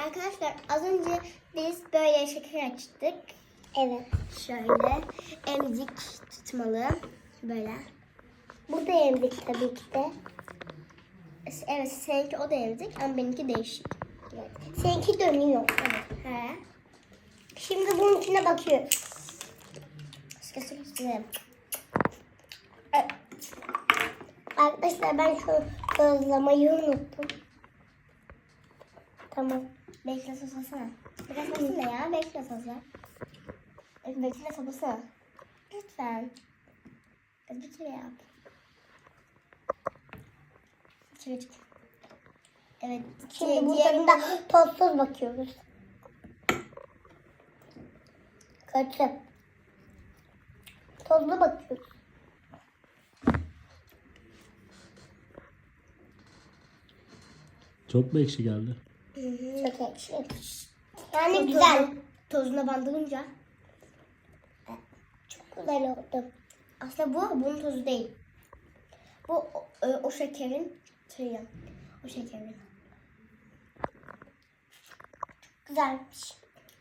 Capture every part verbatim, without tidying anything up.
Arkadaşlar az önce biz böyle şeker açtık. Evet. Şöyle emzik tutmalı. Böyle. Bu da emzik tabii ki de. Evet, seninki o da emzik ama benimki değişik. Evet. Seninki dönüyor. Evet. He. Şimdi bunun içine bakıyoruz. Sıkı sıkı sıkı. Evet. Arkadaşlar ben şu gözlemeyi unuttum. Tamam. Bekle soslasana. Biraz basın ya. Bekle sosla. Bekle soslasana. Lütfen. Kız bir kere yap. Çık çık. Evet. Şimdi bu diğerinde- tadında tozsuz bakıyoruz. Kötü. Tozlu bakıyoruz. Çok mu ekşi geldi? Hı hı. Çok ekşi. Yani Tozu- güzel. Tozuna bandırınca. Çok güzel oldu. Aslında bu bunun tozu değil. Bu o, o, o şekerin şeyi. O şekerin. Güzelmiş.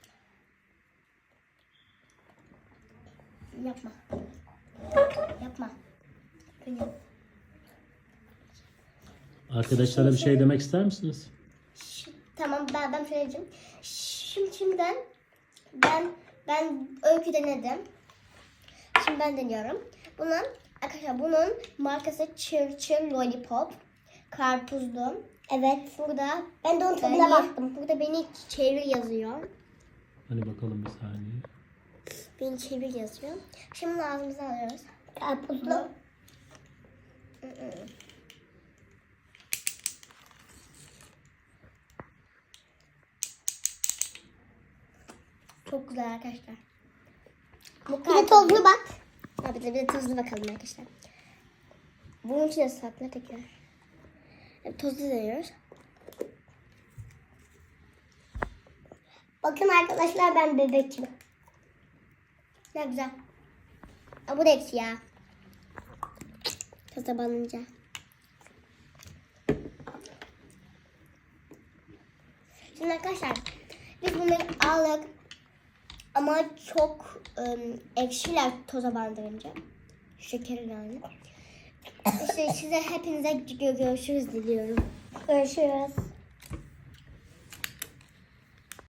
Yapma. Yapma. Benim. Arkadaşlara bir şey demek ister misiniz? Ş- Tamam ben ben söyleyeceğim. Şimdi şimdiden ben ben öykü denedim. Şimdi ben deniyorum. Bunun arkadaşlar bunun markası Churchill Lollipop. Karpuzlu. Evet. Burada Ben de onun tadına beni, baktım. burada beni çevir yazıyor. Hani bakalım bir saniye. Beni çevir yazıyor. Şimdi ağzımıza alıyoruz. Karpuzlu. Hı hı. Çok güzel arkadaşlar. Bu Bir de tozlu bak. Ha, bir de, bir de tuzlu bakalım arkadaşlar. Bunun içine sakla tekrar. Evet, tuzlu deniyoruz. Bakın arkadaşlar ben bebekim. Ne güzel. Aa, bu da ekşi ya. Taza banınca. Şimdi arkadaşlar biz bunları aldık. Ama çok ım, ekşiler toza bandırınca. Şekeri yani. İşte size hepinize görüşürüz diliyorum. Görüşürüz.